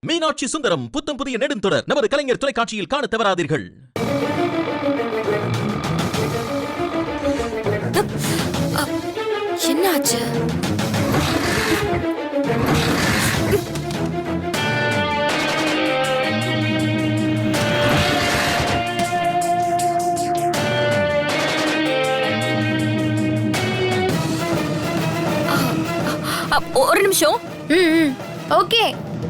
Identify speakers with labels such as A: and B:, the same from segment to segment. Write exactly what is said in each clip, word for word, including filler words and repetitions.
A: மீனாட்சி சுந்தரம் புத்தம் புதிய நெடுந்தொடர் நமது கலைஞர் தொலைக்காட்சியில் காண தவறாதீர்கள்.
B: என்னாச்சு? ஒரு நிமிஷம். ம் ஓகே.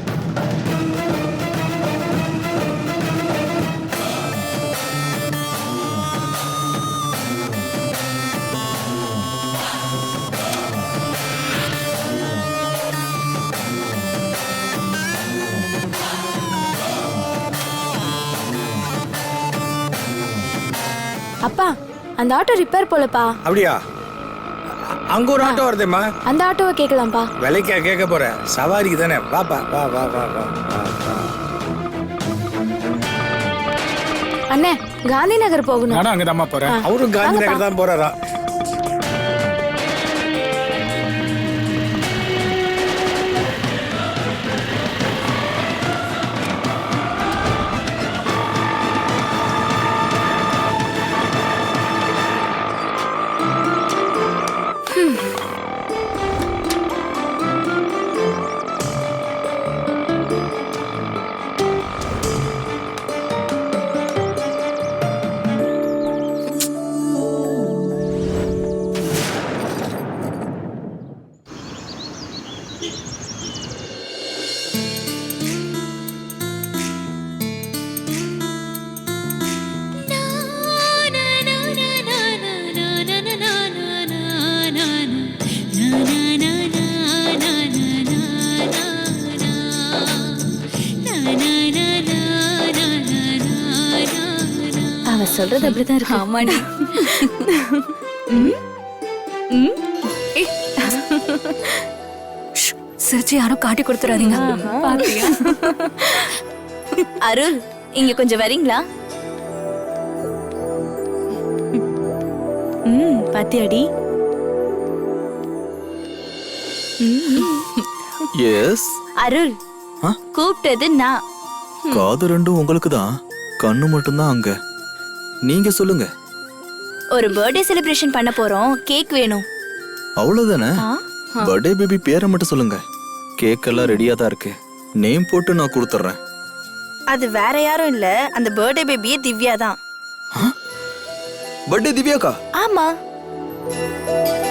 B: அப்பா, அந்த ஆட்டோ ரிப்பேர் போலப்பா.
C: அப்படியா? அங்க ஒரு ஆட்டோ வருதேம்மா.
B: அந்த ஆட்டோவை கேட்கலாம்ப்பா.
C: விலைக்கா கேட்க போற? சவாரிக்கு தானே. வாப்பா, வா வா வா வா.
B: அண்ணே, காந்தி நகர் போகணும்.
C: நானும் அங்கதாம்மா போறேன். அவரும் காந்தி நகர் தான் போறாரா?
B: அவ சொல்றது அப்படிதான் இருக்கு. ஆமாடி.
D: சிரிச்சு யாரும் காட்டி கொடுத்துறாதீங்க.
B: அருள், இங்க கொஞ்சம் வரீங்களா? ம் பாத்தியாடி?
E: எஸ்
B: அருள், கூப்பிட்டது நான்.
E: காது ரெண்டும் உங்களுக்கு தான், கண்ணு மட்டும்தான் அங்க. நீங்க சொல்லுங்க.
B: ஒரு பர்த்டே செலிப்ரேஷன் பண்ண போறோம், கேக் வேணும்.
E: அவ்வளவுதானே? பர்த்டே பேபி பேரை மட்டும் சொல்லுங்க. கேக் எல்லாம் ரெடியா தான் இருக்கு. நேம் போட்டு நான் கொடுத்துறேன்.
B: அது வேற யாரும் இல்ல, அந்த பர்த்டே பேபியே திவ்யா தான்.
E: பர்த்டே திவ்யாக்கா?
B: ஆமா.